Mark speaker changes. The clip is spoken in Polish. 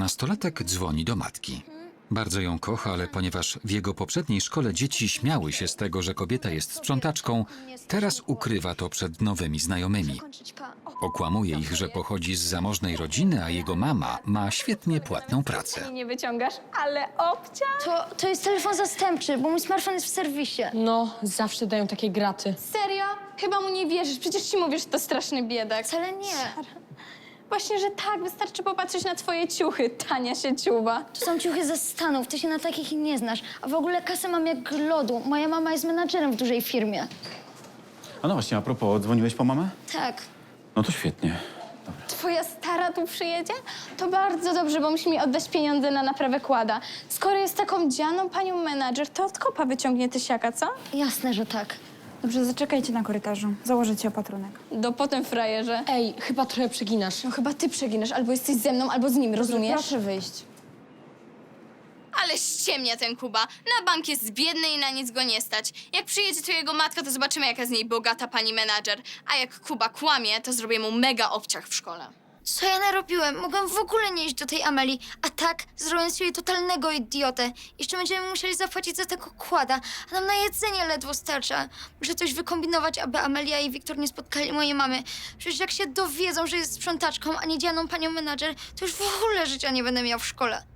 Speaker 1: Nastolatek dzwoni do matki. Bardzo ją kocha, ale ponieważ w jego poprzedniej szkole dzieci śmiały się z tego, że kobieta jest sprzątaczką, teraz ukrywa to przed nowymi znajomymi. Okłamuje ich, że pochodzi z zamożnej rodziny, a jego mama ma świetnie płatną pracę.
Speaker 2: Nie wyciągasz, ale obcia.
Speaker 3: To jest telefon zastępczy, bo mój smartfon jest w serwisie.
Speaker 4: No, zawsze dają takie graty.
Speaker 2: Serio? Chyba mu nie wierzysz. Przecież ci mówisz, że to straszny biedak.
Speaker 3: Wcale nie.
Speaker 2: Właśnie, że tak. Wystarczy popatrzeć na twoje ciuchy, tania sieciuba.
Speaker 3: To są ciuchy ze Stanów, ty się na takich nie znasz. A w ogóle kasę mam jak lodu. Moja mama jest menadżerem w dużej firmie.
Speaker 5: A no właśnie, a propos, dzwoniłeś po mamę?
Speaker 3: Tak.
Speaker 5: No to świetnie.
Speaker 2: Twoja stara tu przyjedzie? To bardzo dobrze, bo musi mi oddać pieniądze na naprawę kłada. Skoro jest taką dzianą panią menadżer, to od kopa wyciągnie tysiaka, co?
Speaker 3: Jasne, że tak.
Speaker 6: Dobrze, zaczekajcie na korytarzu. Założę ci opatrunek.
Speaker 2: Do potem, frajerze.
Speaker 4: Ej, chyba trochę przeginasz.
Speaker 2: No chyba ty przeginasz, albo jesteś ze mną, albo z nim, rozumiesz?
Speaker 6: Proszę wyjść.
Speaker 7: Ale ściemnia ten Kuba. Na bank jest biedny i na nic go nie stać. Jak przyjedzie tu jego matka, to zobaczymy, jaka z niej bogata pani menadżer. A jak Kuba kłamie, to zrobię mu mega obciach w szkole.
Speaker 3: Co ja narobiłem? Mogłem w ogóle nie iść do tej Ameli. A tak, zrobię z siebie totalnego idiotę. Jeszcze będziemy musieli zapłacić za tego kłada, a nam na jedzenie ledwo starcza. Muszę coś wykombinować, aby Amelia i Wiktor nie spotkali mojej mamy. Przecież jak się dowiedzą, że jest sprzątaczką, a nie dzianą panią menadżer, to już w ogóle życia nie będę miał w szkole.